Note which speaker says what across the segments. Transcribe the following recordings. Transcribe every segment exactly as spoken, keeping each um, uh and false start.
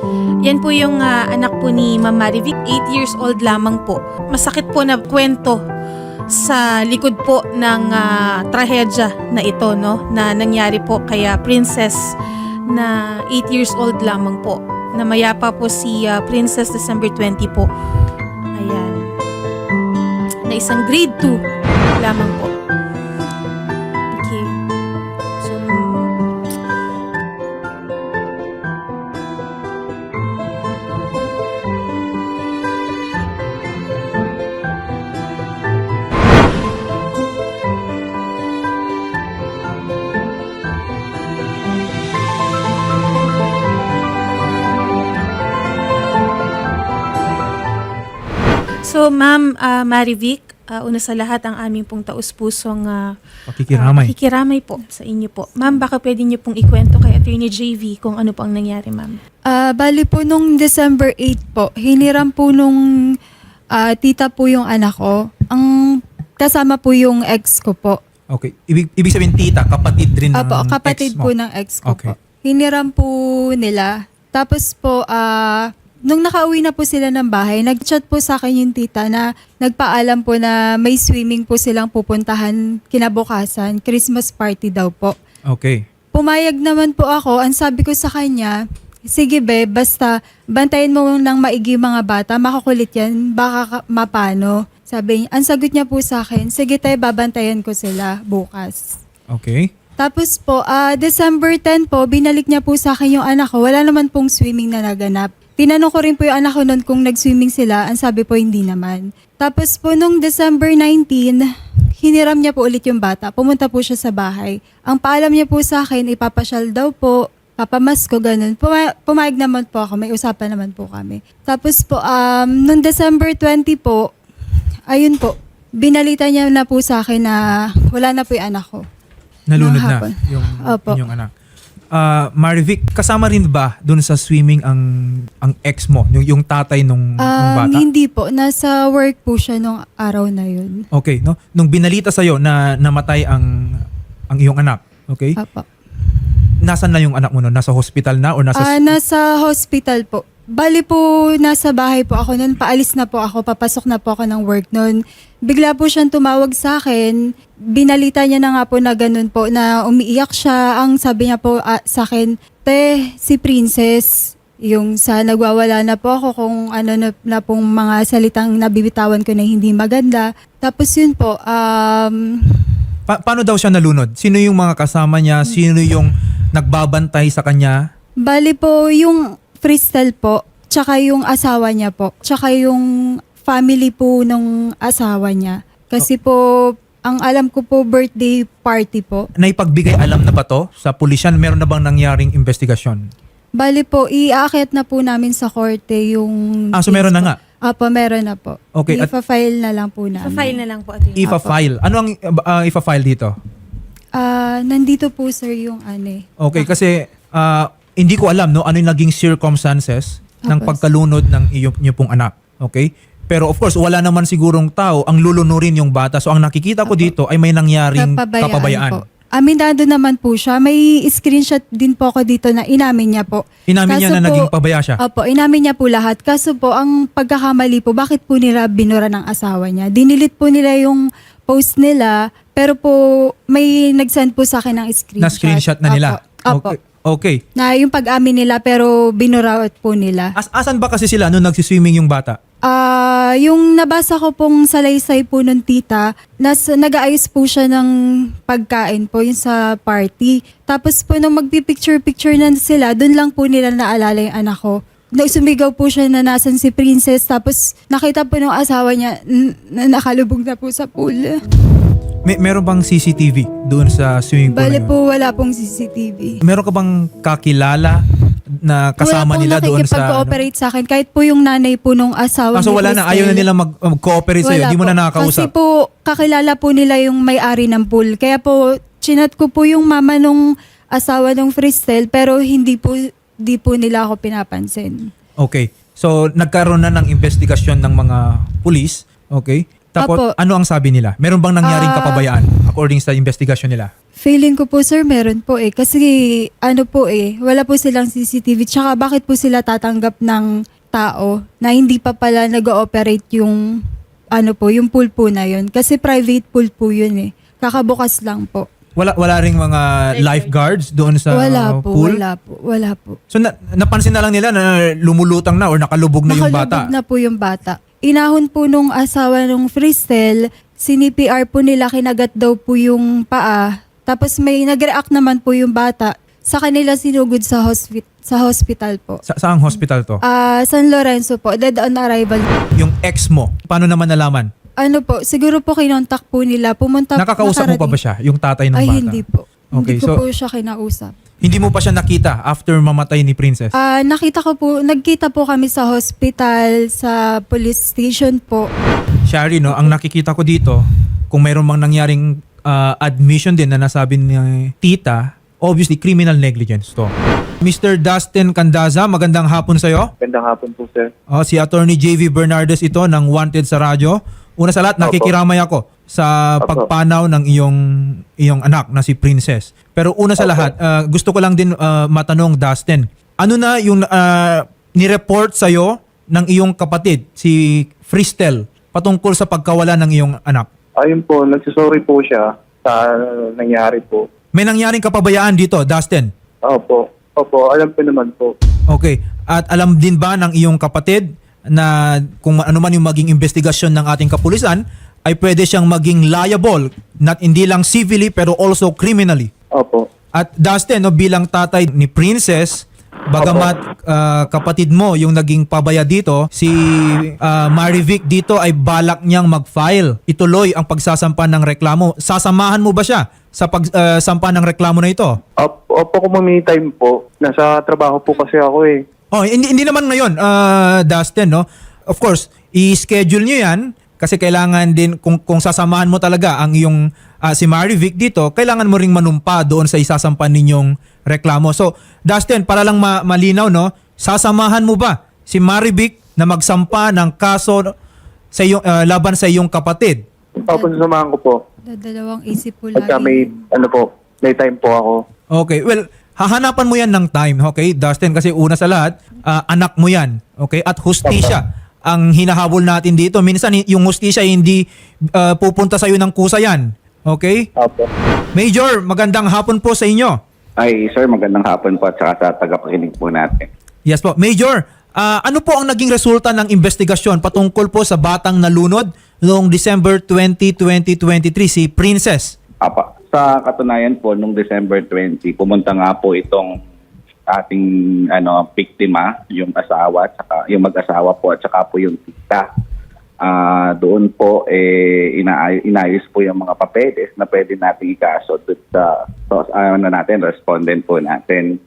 Speaker 1: Yan po yung ah, anak po ni Ma'am Marivic, eight years old lamang po. Masakit po na kwento sa likod po ng ah, trahedya na ito, no, na nangyari po kaya Princess na eight years old lamang po. Namayapa po si ah, Princess December twentieth po. Ayan. Na isang grade two lamang po. Okay. So, So, Ma'am ah, Marivic, ah, una sa lahat ang aming pong taus-pusong ah,
Speaker 2: Pakikiramay.
Speaker 1: ah, pakikiramay po sa inyo po. Ma'am, baka pwede niyo pong ikwento kay Attorney J V kung ano po ang nangyari, ma'am.
Speaker 3: Ah, bali po nung December eighth po, hiniram po nung ah, tita po yung anak ko. Ang kasama po yung ex ko po.
Speaker 2: Okay. Ibig, ibig sabihin, tita, kapatid rin ng
Speaker 3: Apo, kapatid
Speaker 2: ex mo.
Speaker 3: po ng ex ko
Speaker 2: Okay.
Speaker 3: po. Hiniram po nila. Tapos po, ah, nung nakauwi na po sila ng bahay, nag-chat po sa akin yung tita na nagpaalam po na may swimming po silang pupuntahan kinabukasan. Christmas party daw po.
Speaker 2: Okay.
Speaker 3: Pumayag naman po ako. Ang sabi ko sa kanya, sige be, basta bantayan mo ng maigi mga bata, makakulit yan, baka ka- mapano. Sabi niya, ang sagot niya po sa akin, sige tayo, babantayan ko sila bukas.
Speaker 2: Okay.
Speaker 3: Tapos po, ah, December tenth po, binalik niya po sa akin yung anak ko. Wala naman pong swimming na naganap. Tinanong ko rin po yung anak ko noon kung nag-swimming sila. Ang sabi po, hindi naman. Tapos po, nung December nineteenth, hiniram niya po ulit yung bata. Pumunta po siya sa bahay. Ang paalam niya po sa akin, ipapasyal daw po, papamasko, ganun. Puma- pumayag naman po ako, may usapan naman po kami. Tapos po, um, nung December twentieth po, ayun po, binalita niya na po sa akin na wala na po yung anak ko.
Speaker 2: Nalunod
Speaker 3: Nung
Speaker 2: na
Speaker 3: hapon.
Speaker 2: yung
Speaker 3: Opo.
Speaker 2: inyong anak. Ah, Marivic, kasama rin ba dun sa swimming ang ang ex mo, yung, yung tatay nung, nung
Speaker 3: Um,
Speaker 2: bata?
Speaker 3: hindi po, nasa work po siya nung araw na yun.
Speaker 2: Okay, no? Nung binalita sa'yo na namatay ang ang iyong anak, okay?
Speaker 3: Apo.
Speaker 2: Nasaan na yung anak mo nun? Nasa hospital na or nasa...
Speaker 3: Ah, nasa hospital po. Bali po, nasa bahay po ako noon. Paalis na po ako, papasok na po ako ng work noon. Bigla po siyang tumawag sa akin. Binalita niya na nga po na ganun po, na umiiyak siya. Ang sabi niya po ah, sa akin, te, si Princess, yung sa nagwawala na po ako kung ano na, na pong mga salitang nabibitawan ko na hindi maganda. Tapos yun po, um,
Speaker 2: Pa- paano daw siya nalunod? Sino yung mga kasama niya? Sino yung nagbabantay sa kanya?
Speaker 3: bali po yung freestyle po, tsaka yung asawa niya po, tsaka yung family po ng asawa niya. Kasi po, ang alam ko po, birthday party po.
Speaker 2: Naipagbigay alam na ba to sa pulisyan? Meron na bang nangyaring investigasyon?
Speaker 3: Bali po, iaakit na po namin sa korte yung...
Speaker 2: Ah, so meron na nga.
Speaker 3: Apo, meron na po.
Speaker 2: Okay, at-
Speaker 3: Ipa-file na lang po namin.
Speaker 1: Sa file na lang po, Attorney.
Speaker 2: Ifa-file. Ano ang uh, ifa-file dito?
Speaker 3: Ah, nandito po sir yung ano eh.
Speaker 2: Okay, kasi ah, hindi ko alam no ano yung naging circumstances ng
Speaker 3: Tapos?
Speaker 2: pagkalunod ng iyong, iyong pong anak. Okay? Pero of course, wala naman sigurong tao ang lulunurin yung bata. So ang nakikita ko
Speaker 3: Apo.
Speaker 2: dito ay may nangyaring
Speaker 3: Kapabayaan,
Speaker 2: kapabayaan.
Speaker 3: po. Aminado naman po siya. May screenshot din po ako dito na inamin niya po.
Speaker 2: Inamin niya
Speaker 3: Kaso
Speaker 2: na
Speaker 3: po-
Speaker 2: naging pabaya siya.
Speaker 3: Opo, inamin niya po lahat. Kaso po, ang pagkakamali po, bakit po nila binura ng asawa niya? Dinilit po nila yung post nila, pero po may nag-send po sa akin ng screenshot.
Speaker 2: Na screenshot na nila.
Speaker 3: Opo. Opo.
Speaker 2: Okay. Okay.
Speaker 3: Na yung pag-amin nila, pero binura po nila.
Speaker 2: As asan ba kasi sila nung nagsiswimming yung bata?
Speaker 3: Ah, yung nabasa ko pong salaysay po ng tita, nas, nag-aayos po siya ng pagkain po yung sa party. Tapos po nung magpipicture-picture na sila, dun lang po nila naalala yung anak ko. Na sumigaw po siya na nasan si Princess, tapos nakita po ng asawa niya n- na nakalubog na po sa pool.
Speaker 2: May meron bang C C T V doon sa swimming pool?
Speaker 3: Bale
Speaker 2: na yun?
Speaker 3: po wala pong C C T V.
Speaker 2: Meron ka bang kakilala na kasama
Speaker 3: wala
Speaker 2: nila
Speaker 3: pong
Speaker 2: doon sa ano?
Speaker 3: nakikipag-cooperate sa akin. Kahit po yung nanay po nung asawa
Speaker 2: Ah, so
Speaker 3: ni
Speaker 2: wala na, ayaw na
Speaker 3: Cristel.
Speaker 2: nila mag- mag-cooperate sa'yo,
Speaker 3: Wala
Speaker 2: di mo na
Speaker 3: po.
Speaker 2: nakakausap.
Speaker 3: Kasi po, kakilala po nila yung may-ari ng pool. Kaya po, chinat ko po yung mama nung asawa ng Fristel, pero hindi po, di po nila ako pinapansin.
Speaker 2: Okay. So, nagkaroon na ng investigasyon ng mga pulis. Okay. Tapos
Speaker 3: Opo.
Speaker 2: ano ang sabi nila? Meron bang nangyaring
Speaker 3: Ah.
Speaker 2: kapabayaan according sa investigation nila?
Speaker 3: Feeling ko po sir, meron po eh. Kasi ano po eh, wala po silang C C T V. Tsaka bakit po sila tatanggap ng tao na hindi pa pala nag-ooperate yung ano po, yung pool po na yun. Kasi private pool po yun eh. Kakabukas lang po.
Speaker 2: Wala wala ring mga lifeguards doon sa
Speaker 3: wala po,
Speaker 2: pool?
Speaker 3: wala po, wala po.
Speaker 2: So na, napansin na lang nila na lumulutang na or nakalubog na yung bata.
Speaker 3: Nakalubog na po yung bata. Inahon po nung asawa nung Fristel, C P R po nila, kinagat daw po yung paa. Tapos may nag-react naman po yung bata. Sa kanila sinugod sa, hospi- sa hospital po.
Speaker 2: Sa saang hospital to?
Speaker 3: Ah, San Lorenzo po, dead on arrival.
Speaker 2: Yung ex mo, paano naman nalaman?
Speaker 3: Ano po, siguro po kinontak po nila. Pumunta
Speaker 2: Nakakausap mo pa ba siya, yung tatay ng
Speaker 3: Ay,
Speaker 2: bata?
Speaker 3: hindi po.
Speaker 2: Okay,
Speaker 3: hindi ko
Speaker 2: so-
Speaker 3: po siya kinausap.
Speaker 2: Hindi mo pa siya nakita after mamatay ni Princess?
Speaker 3: Ah, nakita ko po, nagkita po kami sa hospital, sa police station po.
Speaker 2: Shari, no, ang nakikita ko dito, kung mayroon mang nangyaring ah, admission din na nasabi ni tita, obviously criminal negligence to. Mister Dustin Candaza, magandang hapon sa'yo.
Speaker 4: Gandang hapon po, sir.
Speaker 2: Oh, si Attorney J V Bernardes ito ng Wanted sa radyo. Una sa lahat,
Speaker 4: Opo.
Speaker 2: nakikiramay ako sa
Speaker 4: Opo.
Speaker 2: pagpanaw ng iyong iyong anak na si Princess. Pero una sa
Speaker 4: Opo.
Speaker 2: lahat, ah, gusto ko lang din ah, matanong, Dustin, ano na yung ah, ni-report sa'yo ng iyong kapatid, si Fristel, patungkol sa pagkawala ng iyong anak?
Speaker 4: Ayun po, nagsusorry po siya sa nangyari po.
Speaker 2: May nangyaring kapabayaan dito, Dustin?
Speaker 4: Opo. Opo, alam ko naman po.
Speaker 2: Okay. At alam din ba ng iyong kapatid na kung ano man yung maging investigasyon ng ating kapulisan, ay pwede siyang maging liable, not hindi lang civilly pero also criminally.
Speaker 4: Opo.
Speaker 2: At Dustin, no, bilang tatay ni Princess, bagamat ah, kapatid mo yung naging pabaya dito, si ah, Marivic dito ay balak niyang mag-file. Ituloy ang pagsasampa ng reklamo. Sasamahan mo ba siya sa pagsampa ng reklamo na ito?
Speaker 4: Opo, opo kung may time po. Nasa trabaho po kasi ako eh.
Speaker 2: Oh, hindi, hindi naman ngayon, uh, Dustin, no? Of course, i-schedule nyo yan kasi kailangan din, kung, kung sasamahan mo talaga ang iyong uh, si Marivic dito, kailangan mo ring manumpa doon sa isasampan ninyong reklamo. So, Dustin, para lang ma- malinaw, no? Sasamahan mo ba si Marivic na magsampa ng kaso sa iyong, uh, laban sa iyong kapatid?
Speaker 4: Opo, sasamahan ko po.
Speaker 3: Dadalawang isip po lagi.
Speaker 4: Pagka may, ano po, may time po ako.
Speaker 2: Okay, well, hahanapan mo yan ng time, okay, Dustin? Kasi una sa lahat, ah, anak mo yan, okay? At hustisya ang hinahabol natin dito. Minsan, y- yung hustisya hindi ah, pupunta sa'yo ng kusa yan, okay?
Speaker 4: Opo.
Speaker 2: Major, magandang hapon po sa inyo.
Speaker 5: Ay, sir, magandang hapon po at saka sa tagapakinig po natin.
Speaker 2: Yes po. Major, ah, ano po ang naging resulta ng investigasyon patungkol po sa batang nalunod noong December twentieth, twenty twenty-three, si Princess?
Speaker 5: Apa, sa katunayan po, nung December twentieth, pumunta nga po itong ating ano biktima, yung asawa, at saka, yung mag-asawa po at saka po yung tita. Ah, doon po eh ina- inayos po yung mga papeles na pwede nating ikaso doon sa so, ano natin, respondent po natin.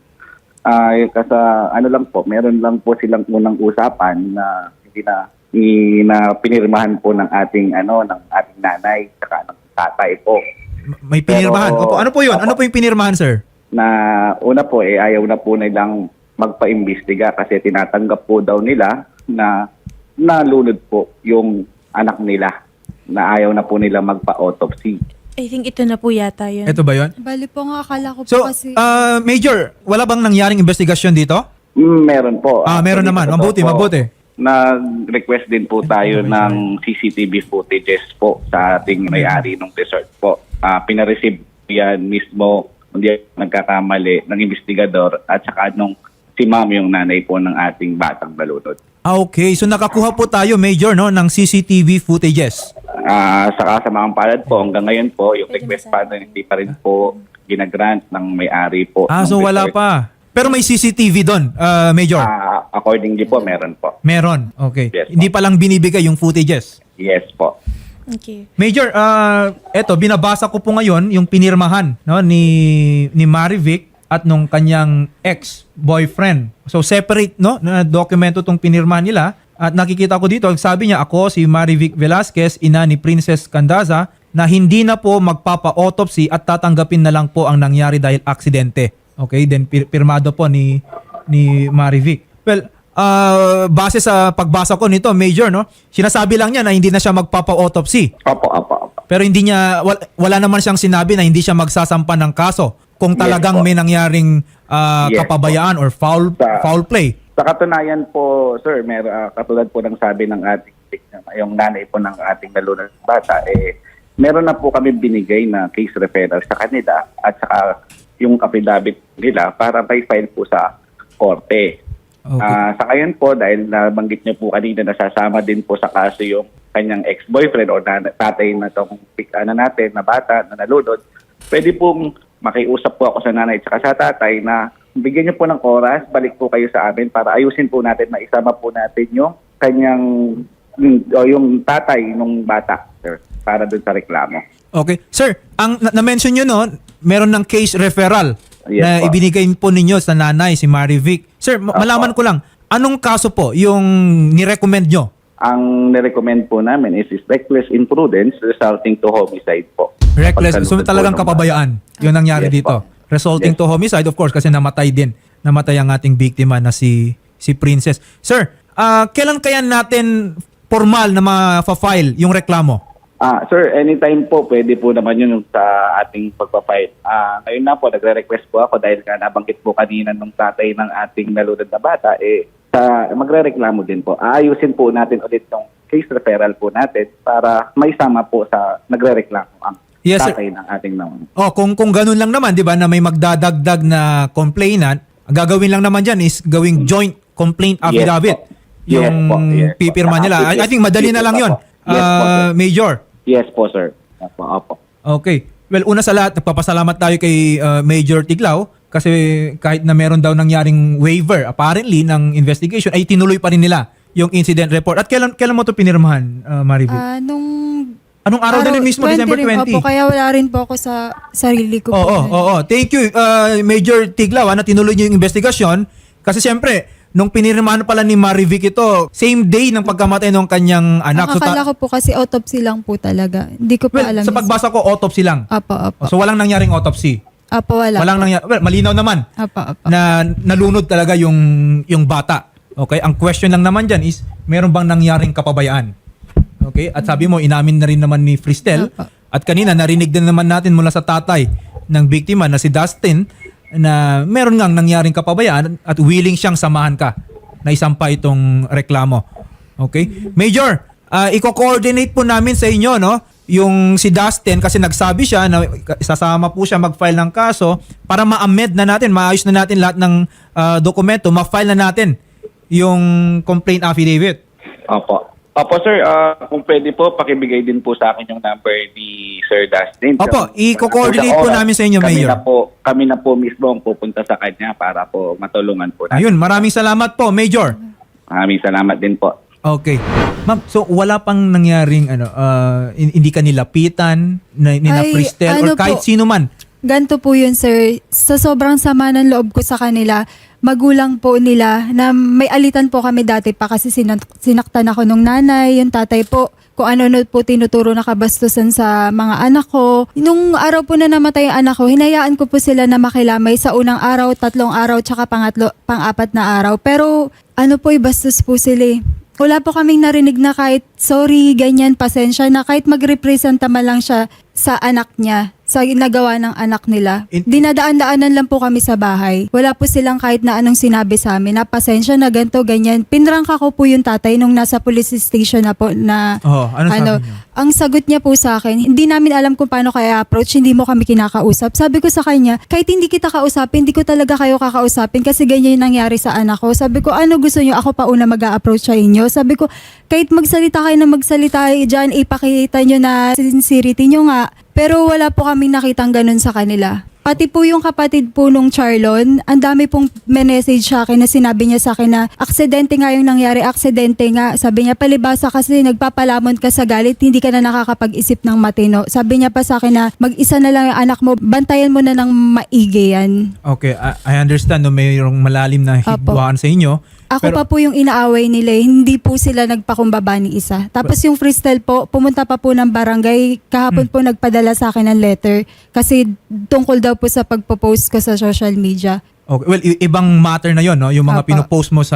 Speaker 5: Ay kasi ano lang po, meron lang po silang unang usapan na hindi na i- na pinirmahan po ng ating ano ng ating nanay saka ng tatay po.
Speaker 2: M- May pinirmahan.
Speaker 5: Pero-
Speaker 2: Opo, ano po yun? Ano po yung pinirmahan, sir?
Speaker 5: Na una po eh ayaw na po nilang magpa-imbestiga kasi tinatanggap po daw nila na nalunod po yung anak nila, na ayaw na po nila magpa-autopsy.
Speaker 1: I think ito na po yata yun.
Speaker 2: Ito ba yun?
Speaker 3: Bali po nga, akala ko po
Speaker 2: So,
Speaker 3: kasi...
Speaker 2: ah, Major, wala bang nangyaring investigasyon dito?
Speaker 5: Mm, meron po.
Speaker 2: Ah, meron
Speaker 5: Actually,
Speaker 2: naman.
Speaker 5: totoo
Speaker 2: Mabuti,
Speaker 5: po,
Speaker 2: mabuti.
Speaker 5: Nag-request din po tayo ng C C T V footages po sa ating may-ari ng resort po. Ah, pinareceive yan mismo, hindi nagkakamali, ng investigador at saka nung si ma'am yung nanay po ng ating batang balunod.
Speaker 2: Ah, okay. So nakakuha po tayo, Major, no, ng C C T V footages.
Speaker 5: Ah, saka sa mga palad po, hanggang ngayon po, yung request pa rin, hindi pa rin po ginagrant ng may-ari po.
Speaker 2: Ah,
Speaker 5: ng
Speaker 2: so wala
Speaker 5: resort.
Speaker 2: pa. Pero may C C T V doon, ah, Major.
Speaker 5: Ah, accordingly po, meron po.
Speaker 2: Meron. Okay.
Speaker 5: Yes,
Speaker 2: Hindi pa lang binibigay yung footages.
Speaker 5: Yes po.
Speaker 1: Okay.
Speaker 2: Major, ah, eto, binabasa ko po ngayon yung pinirmahan, no, ni ni Marivic at nung kanyang ex-boyfriend. So separate, no, na dokumento tong pinirmahan nila. At nakikita ko dito, sabi niya, ako si Marivic Velasquez, ina ni Princess Candaza, na hindi na po magpapa-autopsy at tatanggapin na lang po ang nangyari dahil aksidente. Okay, then pir- pirmado po ni ni Marivic. Well, ah, base sa pagbasa ko nito, Major, no? Sinasabi lang niya na hindi na siya magpapa-autopsy.
Speaker 5: Opo, opo, opo.
Speaker 2: Pero hindi niya wala, wala naman siyang sinabi na hindi siya magsasampa ng kaso kung
Speaker 5: Yes
Speaker 2: talagang
Speaker 5: po.
Speaker 2: may nangyaring ah,
Speaker 5: Yes
Speaker 2: kapabayaan or foul
Speaker 5: Sa-
Speaker 2: foul play.
Speaker 5: Sa katunayan po, sir, mer ah, katulad po ng sabi ng ating victim, yung nanay po ng ating nalunod na bata, eh, meron na po kami binigay na case referral sa kanila at saka yung affidavit nila para may file po sa korte.
Speaker 2: Okay.
Speaker 5: Ah, sa ngayon po, dahil nabanggit niyo po kanina, nasasama din po sa kaso yung kanyang ex-boyfriend o na, tatay na itong ano natin, na bata, na nalunod, pwede pong makiusap po ako sa nanay at saka sa tatay na bigyan niyo po ng oras, balik po kayo sa amin para ayusin po natin, maisama po natin yung kanyang, yung, o yung tatay ng bata, sir, para dun sa reklamo.
Speaker 2: Okay. Sir, ang na- na-mention nyo no, meron ng case referral
Speaker 5: Yes
Speaker 2: na
Speaker 5: po.
Speaker 2: ibinigay po ninyo sa nanay, si Marivic. Sir, ma-
Speaker 5: Opo.
Speaker 2: malaman ko lang, anong kaso po yung nirecommend nyo?
Speaker 5: Ang nirecommend po namin is, is reckless imprudence resulting to homicide po.
Speaker 2: Reckless. So
Speaker 5: Pagkalunod po
Speaker 2: talagang
Speaker 5: ng
Speaker 2: kapabayaan. Yun ang nangyari
Speaker 5: Yes
Speaker 2: dito.
Speaker 5: po.
Speaker 2: Resulting
Speaker 5: Yes.
Speaker 2: to homicide, of course, kasi namatay din. Namatay ang ating biktima na si si Princess. Sir, ah, kailan kaya natin formal na ma-file yung reklamo?
Speaker 5: Ah, sir, anytime po, pwede po naman yun sa ating pagpafight. Ah, ngayon na po, nagre-request po ako dahil ka nabanggit po kanina nung tatay ng ating nalunod na bata, eh, sa, magre-reklamo din po. Aayusin po natin ulit yung case referral po natin para maisama po sa nagre-reklamo ang
Speaker 2: Yes, sir.
Speaker 5: tatay ng ating nalunod.
Speaker 2: Oh, kung kung ganun lang naman, 'di ba, na may magdadagdag na complainant, ang gagawin lang naman diyan is gawing joint complaint
Speaker 5: Yes
Speaker 2: affidavit.
Speaker 5: po. Yes
Speaker 2: Yung
Speaker 5: po, yes po.
Speaker 2: pipirma nila. I, I think madali na lang 'yon.
Speaker 5: Yes po, sir.
Speaker 2: Major.
Speaker 5: Yes po, sir. Opo, opo.
Speaker 2: Okay. Well, una sa lahat, nagpapasalamat tayo kay uh, Major Tiglao kasi kahit na meron daw nangyaring waiver apparently ng investigation ay tinuloy pa rin nila yung incident report. At kailan kailan mo to pinirmahan, uh, Marivic?
Speaker 3: Ah, nung
Speaker 2: Anong araw, din mismo, December
Speaker 3: rin,
Speaker 2: twenty?
Speaker 3: Opo, kaya wala rin po ako sa sarili ko
Speaker 2: Oo,
Speaker 3: po.
Speaker 2: oo, oo. Thank you, uh, Major Tiglao, ah, na tinuloy niyo yung investigasyon. Kasi siyempre, nung pinirmahan pala ni Marivic ito, same day ng pagkamatay ng kanyang anak.
Speaker 3: Ang
Speaker 2: So, ta-
Speaker 3: akala ko po kasi autopsy lang po talaga. Hindi ko pa
Speaker 2: well,
Speaker 3: alam.
Speaker 2: sa pagbasa ko, autopsy lang.
Speaker 3: Apo, apo.
Speaker 2: So walang nangyaring autopsy.
Speaker 3: Apo, wala.
Speaker 2: Walang nangyari. Well, malinaw naman
Speaker 3: Apo, apo.
Speaker 2: na nalunod talaga yung yung bata. Okay? Ang question lang naman diyan is, meron bang nangyaring kapabayaan? Okay? At sabi mo, inamin na rin naman ni Fristel.
Speaker 3: Opo.
Speaker 2: At kanina, narinig din naman natin mula sa tatay ng biktima na si Dustin na meron ngang nangyaring kapabayaan at willing siyang samahan ka na isampa itong reklamo. Okay? Major, uh, i-coordinate po namin sa inyo, no? Yung si Dustin, kasi nagsabi siya na sasama po siya mag-file ng kaso para ma-amend na natin, maayos na natin lahat ng uh, dokumento, ma-file na natin yung complaint affidavit.
Speaker 5: Opo. Opo, sir. ah, kung pwede po, pakibigay din po sa akin yung number ni Sir Dustin.
Speaker 2: Opo,
Speaker 5: Kung-
Speaker 2: i-coordinate po
Speaker 5: sa oras,
Speaker 2: namin sa inyo,
Speaker 5: kami
Speaker 2: Mayor.
Speaker 5: Na po, kami na po mismo ang pupunta sa kanya para po matulungan po natin.
Speaker 2: Ayun, maraming salamat po, Major.
Speaker 5: Maraming salamat din po.
Speaker 2: Okay. Ma'am, so wala pang nangyaring ano, uh, hindi ka nilapitan na, ni na
Speaker 3: Ay,
Speaker 2: Fristel or
Speaker 3: ano
Speaker 2: kahit
Speaker 3: po,
Speaker 2: sino man.
Speaker 3: Ganto po yun, sir. Sa sobrang sama ng loob ko sa kanila, magulang po nila na may alitan po kami dati pa kasi sinak- sinaktan ako nung nanay, yung tatay po, kung ano-ano po tinuturo na kabastusan sa mga anak ko. Nung araw po na namatay ang anak ko, hinayaan ko po sila na makilamay sa unang araw, tatlong araw, tsaka pangatlo, pang-apat na araw. Pero ano po, bastos po sila eh. Wala po kaming narinig na kahit sorry, ganyan, pasensya na kahit magrepresenta man lang siya sa anak niya, sa ginagawa ng anak nila.
Speaker 2: In-
Speaker 3: Dinadaan-daanan lang po kami sa bahay. Wala po silang kahit na anong sinabi sa amin na pasensya na ganito, ganyan. Pinrangka ko po yung tatay nung nasa police station na po na
Speaker 2: Oh, ano sabi niyo?
Speaker 3: ang sagot niya po sa akin, hindi namin alam kung paano kaya approach, hindi mo kami kinakausap. Sabi ko sa kanya, kahit hindi kita kausapin, hindi ko talaga kayo kakausapin kasi ganyan yung nangyari sa anak ko. Sabi ko, ano gusto niyo? Ako pa una mag-a-approach sa inyo. Sabi ko, kahit magsalita kayo na magsalita dyan, ipakita niyo na sincerity niyo nga. Pero wala po kaming nakitang ganun sa kanila. Pati po yung kapatid po nung Charlon, ang dami pong message sa akin na sinabi niya sa akin na aksidente nga yung nangyari, aksidente nga. Sabi niya, palibasa kasi nagpapalamon ka sa galit, hindi ka na nakakapag-isip ng matino. Sabi niya pa sa akin na mag-isa na lang yung anak mo, bantayan mo na ng maigi yan.
Speaker 2: Okay, I, I understand no, mayroong malalim na hidwaan sa inyo.
Speaker 3: Ako
Speaker 2: Pero-
Speaker 3: pa po yung inaaway nila, eh. Hindi po sila nagpakumbaba ni isa. Tapos yung Fristel po, pumunta pa po ng barangay, kahapon
Speaker 2: Hmm.
Speaker 3: po nagpadala sa akin ng letter kasi tungkol daw po sa pagpo-post ko sa social media.
Speaker 2: Okay, well, i- ibang matter na 'yon, no? Yung mga
Speaker 3: Apo.
Speaker 2: pinopost mo sa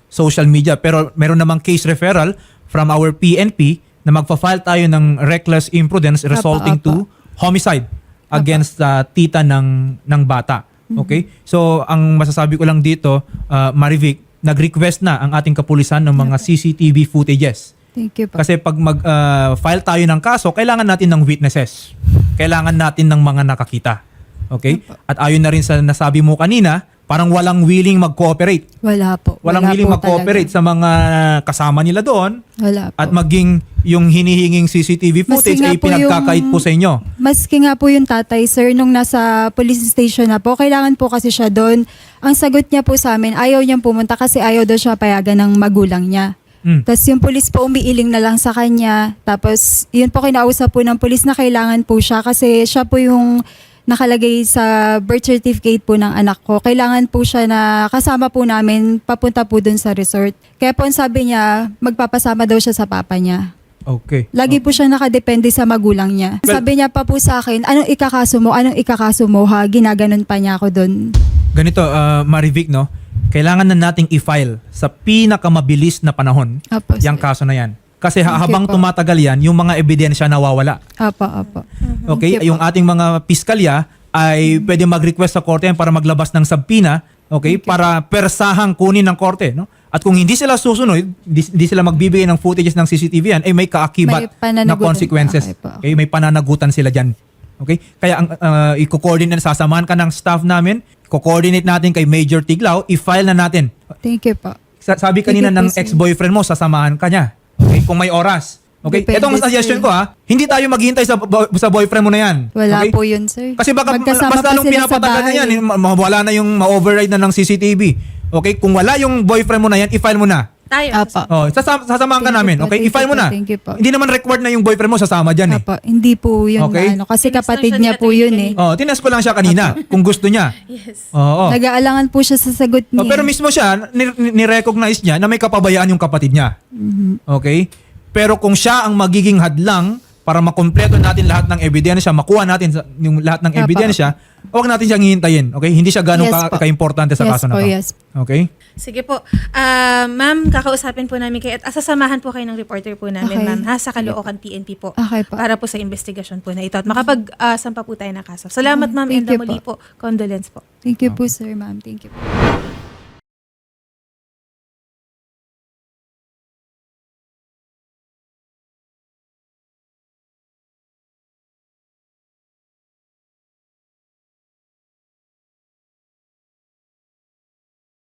Speaker 2: social media. Pero meron namang case referral from our P N P na magpa-file tayo ng reckless imprudence resulting
Speaker 3: Apa, apa.
Speaker 2: to homicide against uh, tita ng ng bata. Okay? So ang masasabi ko lang dito, uh, Marivic, nag-request na ang ating kapulisan ng mga C C T V footages.
Speaker 3: Thank you po.
Speaker 2: Kasi pag mag-file tayo ng kaso, kailangan natin ng witnesses. Kailangan natin ng mga nakakita. Okay? At ayon na rin sa nasabi mo kanina, parang walang willing mag-cooperate.
Speaker 3: Wala po.
Speaker 2: Walang
Speaker 3: Wala
Speaker 2: willing
Speaker 3: po
Speaker 2: mag-cooperate
Speaker 3: talaga.
Speaker 2: sa mga kasama nila doon.
Speaker 3: Wala po.
Speaker 2: At maging yung hinihinging C C T V footage
Speaker 3: Maski nga
Speaker 2: ay
Speaker 3: po
Speaker 2: pinagkakait
Speaker 3: yung-
Speaker 2: po sa inyo.
Speaker 3: Maski nga po yung tatay, sir, nung nasa police station na po, kailangan po kasi siya doon. Ang sagot niya po sa amin, ayaw niyang pumunta kasi ayaw daw siya payagan ng magulang niya.
Speaker 2: Mm.
Speaker 3: Tapos yung police po umiiling na lang sa kanya. Tapos yun po kinausap po ng police na kailangan po siya kasi siya po yung nakalagay sa birth certificate po ng anak ko. Kailangan po siya na kasama po namin papunta po dun sa resort. Kaya po ang sabi niya, magpapasama daw siya sa papa niya.
Speaker 2: Okay.
Speaker 3: Lagi po siya nakadepende sa magulang niya.
Speaker 2: Well-
Speaker 3: Sabi niya pa po sa akin, anong ikakaso mo? Anong ikakaso mo ha? Ginaganon pa niya ako doon.
Speaker 2: Ganito, uh, Marivic, no? Kailangan na nating i-file sa pinakamabilis na panahon
Speaker 3: Apo,
Speaker 2: yung
Speaker 3: sir.
Speaker 2: kaso na yan. Kasi
Speaker 3: Thank you
Speaker 2: habang
Speaker 3: po.
Speaker 2: tumatagal yan, yung mga ebidensya nawawala.
Speaker 3: Apo, apo.
Speaker 2: Okay?
Speaker 3: Thank you
Speaker 2: Yung
Speaker 3: po.
Speaker 2: ating mga piskalya ay pwede mag-request sa korte yan para maglabas ng subpoena, okay? Para persahang kunin ng korte, no? At kung hindi sila susunod, hindi, hindi sila magbibigay ng footages ng C C T V yan, ay may kaakibat
Speaker 3: May pananagutan.
Speaker 2: na consequences.
Speaker 3: Okay po.
Speaker 2: Okay? May pananagutan sila dyan. Okay? Kaya ang uh, i-coordinate, sasamahan ka ng staff namin, i-coordinate natin kay Major Tiglao, i-file na natin.
Speaker 3: Thank you po.
Speaker 2: Sa- sabi kanina
Speaker 3: Sige po,
Speaker 2: ng
Speaker 3: sir.
Speaker 2: ex-boyfriend mo, sasamahan ka niya. Okay? Kung may oras. Okay?
Speaker 3: Depende,
Speaker 2: Ito ang suggestion
Speaker 3: sir.
Speaker 2: ko ha. Hindi tayo maghihintay sa, bo- sa boyfriend mo na yan.
Speaker 3: Wala
Speaker 2: Okay?
Speaker 3: po yun, sir.
Speaker 2: Kasi baka
Speaker 3: Magkasama
Speaker 2: mas
Speaker 3: po
Speaker 2: lalong
Speaker 3: sila sa
Speaker 2: pinapatagal na
Speaker 3: bahay.
Speaker 2: yan. ma- Mawala na yung ma-override na ng C C T V. Okay? Kung wala yung boyfriend mo na yan, i-file mo na.
Speaker 1: Tayo.
Speaker 3: Apo.
Speaker 2: Oh, sasama, sasamahan ka
Speaker 3: Thank you
Speaker 2: namin.
Speaker 3: po,
Speaker 2: Okay?
Speaker 3: thank
Speaker 2: I-file
Speaker 3: you
Speaker 2: mo
Speaker 3: po,
Speaker 2: na.
Speaker 3: thank you po.
Speaker 2: Hindi naman required na yung boyfriend mo sasama dyan eh.
Speaker 3: Apo, hindi po yun
Speaker 2: Okay.
Speaker 3: na ano. Kasi
Speaker 1: Tinestan
Speaker 3: kapatid
Speaker 1: siya
Speaker 3: niya
Speaker 1: ni
Speaker 3: po
Speaker 1: Ate
Speaker 3: yun
Speaker 1: Vicky.
Speaker 3: eh.
Speaker 2: Oh, tinas ko lang siya kanina kung gusto niya.
Speaker 1: Yes.
Speaker 2: Oo.
Speaker 3: Nag-aalangan po siya sa sagot niya.
Speaker 2: Oh, pero mismo siya, ni- ni- ni-recognize niya na may kapabayaan yung kapatid niya. Okay? Pero kung siya ang magiging hadlang para makumpleto natin lahat ng ebidensya, makuha natin sa- yung lahat ng
Speaker 3: Apa.
Speaker 2: ebidensya, huwag natin siyang hihintayin. Okay? Hindi siya ganun
Speaker 3: Yes
Speaker 2: ka-
Speaker 3: po.
Speaker 2: ka-importante sa
Speaker 3: Yes
Speaker 2: kaso na
Speaker 3: po,
Speaker 2: to.
Speaker 3: yes.
Speaker 2: Okay?
Speaker 1: Sige po. Ah, ma'am, kakausapin po namin kayo at asasamahan po kayo ng reporter po namin,
Speaker 3: Okay.
Speaker 1: ma'am, ha, sa Caloocan P N P po.
Speaker 3: Okay po.
Speaker 1: Para po sa investigasyon po na ito at makapag-sampa po tayo ng kaso. Salamat, ma'am,
Speaker 3: Thank
Speaker 1: and
Speaker 3: you
Speaker 1: muli po. Condolence po.
Speaker 3: Thank you po, sir, ma'am. Thank you po.